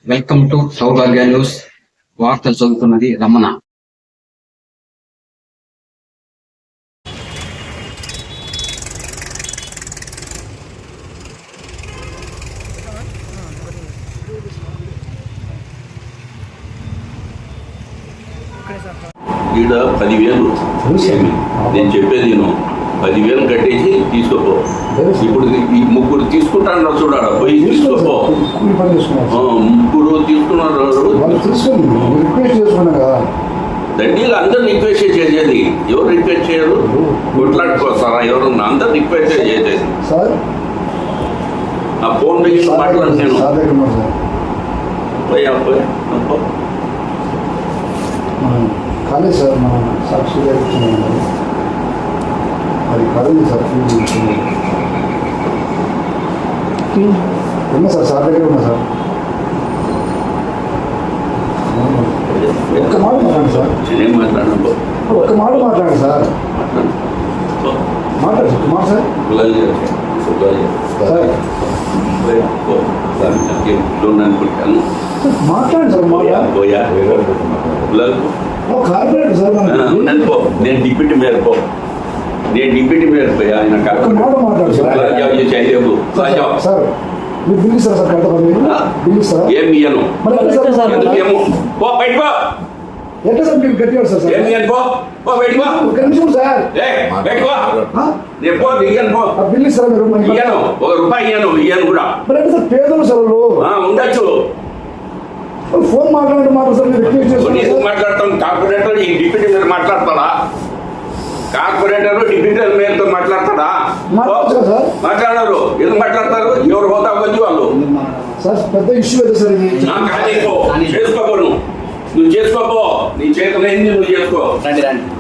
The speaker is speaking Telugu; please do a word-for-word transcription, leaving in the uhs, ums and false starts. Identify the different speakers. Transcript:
Speaker 1: Welcome to Saubhagya news. వార్తలు చదువుతున్నది రమణ.
Speaker 2: ఈడ పదివేలు నేను చెప్పేది నేను పదివేలు కట్టేసి తీసుకోపో. ఇప్పుడు ఈ ముగ్గురు తీసుకుంటాను చూడాలి, పోయి తీసుకోపో. ముగ్గురు తీసుకున్నారు దండీలు అందరు రిక్వెస్ట్ చేసేది. ఎవరు రిక్వెస్ట్ చేయరు, కొట్లాడుకోస్తారా ఎవరు? అందరు రిక్వెస్ట్ చేసేది. ఆ ఫోన్ దగ్గర మాట్లాడు నేను పోయా పోయి
Speaker 3: కాలేదు సార్. మన సాక్షి అది కాలేదు సార్. ఉన్నా సార్, సార్ దగ్గర ఉన్నా సార్. ఒక్క మాట మాట్లాడండి సార్.
Speaker 2: నేనేం మాట్లాడను,
Speaker 3: ఒక్క మాట మాట్లాడండి సార్. మాట్లాడు కుమార్ సార్. మాట్లాడండి సార్.
Speaker 2: పోయా
Speaker 3: కార్పొరేటర్ సార్.
Speaker 2: నేను డిప్యూటీ మేయర్ పో, నేను డిప్యూటీ మేయర్ పోయా. ఆయన
Speaker 3: మాట్లాడు సార్. మీరు బిల్ ఇస్తారా సార్? కడతా బిల్ ఇస్తారా?
Speaker 2: ఏం ఇయ్యను. ఎందుకేమో పో బయట పో.
Speaker 3: ఎట్లా సార్ మీరు గట్టివాడు సార్?
Speaker 2: ఏం ఇయ్యను పో, పో బయట పో.
Speaker 3: ఒక నిమిషం సార్.
Speaker 2: బయట పో, నేను పో ఇయ్యను పో.
Speaker 3: బిల్ ఇస్తారా మీరు?
Speaker 2: ఇయ్యను, ఒక రూపాయి ఇయ్యను. ఇయ్యను కూడా
Speaker 3: మరి అంటే సార్ పేదలు సార్
Speaker 2: ఉండొచ్చు.
Speaker 3: ఫోన్ మాట్లాడండి మాట సార్. మీరు రిక్వెస్ట్ చేస్తారు.
Speaker 2: మాట్లాడతాం. కార్పొరేటర్ ఈ డిప్యూటీ మేయర్ మాట్లాడతాడా? కార్పొరేటర్ డిప్యూటీ మేయర్తో మాట్లాడతాడా? మాట్లాడరు. ఎందుకు మాట్లాడతారు? ఎవరు హోదా వచ్చి వాళ్ళు
Speaker 3: సార్. పెద్ద ఇష్యూ అయితే సార్ ఇది.
Speaker 2: చేసుకోపో, నువ్వు చేసుకోపో. నువ్వు చేసుకోపో, నీ చేతులు ఏంది నువ్వు చేసుకో.